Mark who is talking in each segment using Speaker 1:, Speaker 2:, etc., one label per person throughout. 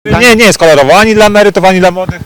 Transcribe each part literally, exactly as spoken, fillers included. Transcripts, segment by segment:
Speaker 1: Nie, nie jest kolorowo, ani dla emerytów, ani dla młodych.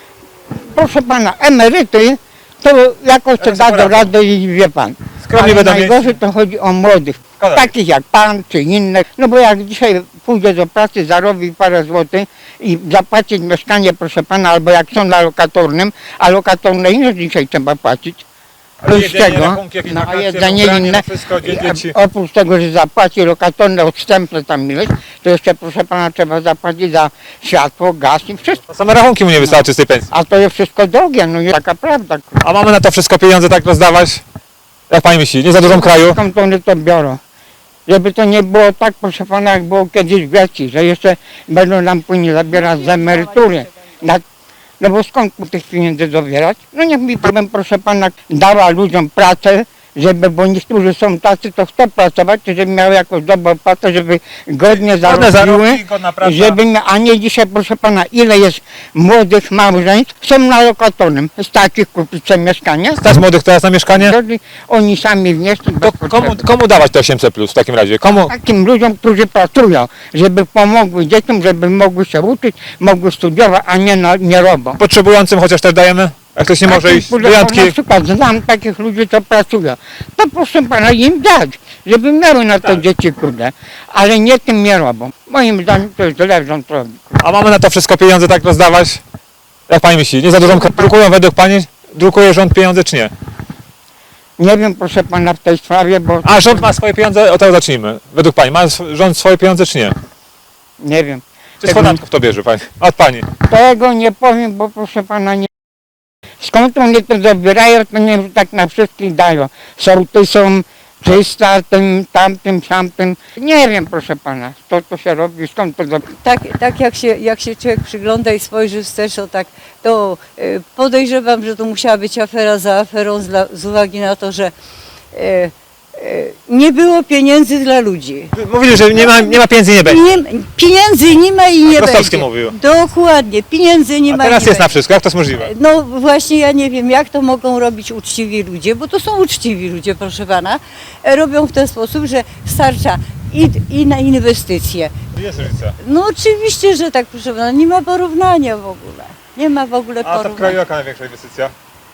Speaker 2: Proszę pana, emeryty to jakoś to da do rady i wie pan.
Speaker 1: Skromnie
Speaker 2: Ale
Speaker 1: będą mieć.
Speaker 2: najgorzej to chodzi o młodych,
Speaker 1: Szkoda.
Speaker 2: takich jak pan czy innych. No bo jak dzisiaj pójdzie do pracy, zarobi parę złotych i zapłacić mieszkanie, proszę pana, albo jak są na lokatornym, a lokatorne ile dzisiaj trzeba płacić?
Speaker 1: Ale
Speaker 2: Plus
Speaker 1: jedzenie,
Speaker 2: tego,
Speaker 1: rachunki, jakieś
Speaker 2: no a
Speaker 1: wakacje,
Speaker 2: jedzenie
Speaker 1: ubranie,
Speaker 2: inne,
Speaker 1: no wszystko, dzie- dzieci.
Speaker 2: I, a oprócz tego, że zapłaci lokatorne odstępne tam ileś, to jeszcze proszę pana trzeba zapłacić za światło, gaz i wszystko.
Speaker 1: Same rachunki mu nie wystarczy z tej pensji.
Speaker 2: A to jest wszystko drogie, no jest taka prawda.
Speaker 1: A mamy na to wszystko pieniądze tak rozdawać? Jak pani myśli, nie za dużą kraju?
Speaker 2: Skąd oni to biorą? Żeby to nie było tak, proszę pana, jak było kiedyś w Grecji, że jeszcze będą nam później zabierać z emerytury. Na, no bo skąd mu tych pieniędzy dobierać? No niech mi powiem, proszę pana, dała ludziom pracę, żeby, bo niektórzy są tacy, to chcą pracować, żeby miały jakąś dobrą pracę, żeby godnie
Speaker 1: Godne
Speaker 2: zarobiły,
Speaker 1: zarobki, godna praca.
Speaker 2: żeby, mia- a nie dzisiaj, proszę pana, ile jest młodych małżeństw, są na lokatornym, stać ich kupić sobie mieszkanie,
Speaker 1: Stać młodych teraz na mieszkanie?
Speaker 2: Wtedy oni sami wnieśli bez
Speaker 1: To komu,
Speaker 2: potrzeby.
Speaker 1: komu dawać te osiemset plus w takim razie? Komu?
Speaker 2: Takim ludziom, którzy pracują, żeby pomogły dzieciom, żeby mogły się uczyć, mogły studiować, a nie, na, nie robią.
Speaker 1: Potrzebującym chociaż też dajemy? Jak ktoś nie może
Speaker 2: Takich,
Speaker 1: iść,
Speaker 2: proszę
Speaker 1: wyjątki.
Speaker 2: pana, Na przykład znam takich ludzi, co pracują. To proszę pana im dać, żeby miały na to
Speaker 1: Tak.
Speaker 2: dzieci, kurde. Ale nie tym nie robią. Moim zdaniem to jest źle, rząd robi.
Speaker 1: A mamy na to wszystko pieniądze tak rozdawać? Jak pani myśli, nie za dużą kraju? Drukują według pani? Drukuje rząd pieniądze czy nie?
Speaker 2: Nie wiem, proszę pana, w tej sprawie, bo
Speaker 1: A rząd ma swoje pieniądze? O tego zacznijmy. Według pani, ma sw- rząd swoje pieniądze czy nie?
Speaker 2: nie wiem.
Speaker 1: Czy z podatków to bierze pani? Od pani.
Speaker 2: Tego nie powiem, bo proszę pana nie. Skąd oni to zabierają, to nie wiem, tak na wszystkich dają. Sorty są trzysta, tym, tamtym, tamtym. Nie wiem, proszę pana, to to się robi, skąd to zabierają.
Speaker 3: Tak, tak jak, się, jak się człowiek przygląda i spojrzy wstecz, to, tak, to e, podejrzewam, że to musiała być afera za aferą z, la- z uwagi na to, że e, e, nie było pieniędzy dla ludzi.
Speaker 1: Mówili, że nie ma, nie ma pieniędzy i nie będzie.
Speaker 3: Nie, pieniędzy nie ma i nie
Speaker 1: Rostowski
Speaker 3: będzie.
Speaker 1: mówił.
Speaker 3: Dokładnie, pieniędzy nie
Speaker 1: A
Speaker 3: ma
Speaker 1: teraz
Speaker 3: i nie
Speaker 1: jest na
Speaker 3: będzie.
Speaker 1: wszystko, jak to jest możliwe?
Speaker 3: No właśnie ja nie wiem, jak to mogą robić uczciwi ludzie, bo to są uczciwi ludzie, proszę pana. E, Robią w ten sposób, że starcza i, i na inwestycje.
Speaker 1: Jest różnica.
Speaker 3: No oczywiście, że tak, proszę pana, nie ma porównania w ogóle. Nie ma w ogóle
Speaker 1: A to w kraju
Speaker 3: porównania.
Speaker 1: jaka największa inwestycja?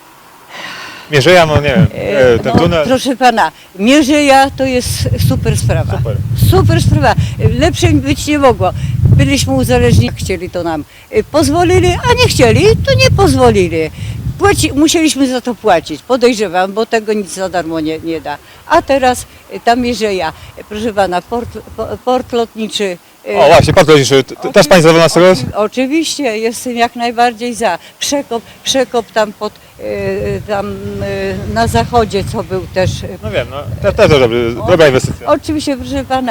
Speaker 1: Mierzeja, no nie wiem,
Speaker 3: E,
Speaker 1: e, ten
Speaker 3: no,
Speaker 1: tunel.
Speaker 3: proszę pana, Mierzeja to jest super sprawa.
Speaker 1: Super.
Speaker 3: Super sprawa. Lepszej być nie mogło. Byliśmy uzależnieni, chcieli to nam e, pozwolili, a nie chcieli, to nie pozwolili. Płaci, musieliśmy za to płacić, podejrzewam, bo tego nic za darmo nie, nie da. A teraz e, ta Mierzeja, e, proszę pana, port, po- port lotniczy. e,
Speaker 1: O właśnie, pan powiedział, też pani zadowolona z tego jest?
Speaker 3: Oczywiście, jestem jak najbardziej za. Przekop, przekop tam pod, e, tam e, na zachodzie, co był też. e,
Speaker 1: No wiem, no to też dobry, dobra inwestycja.
Speaker 3: Oczywiście, proszę pana.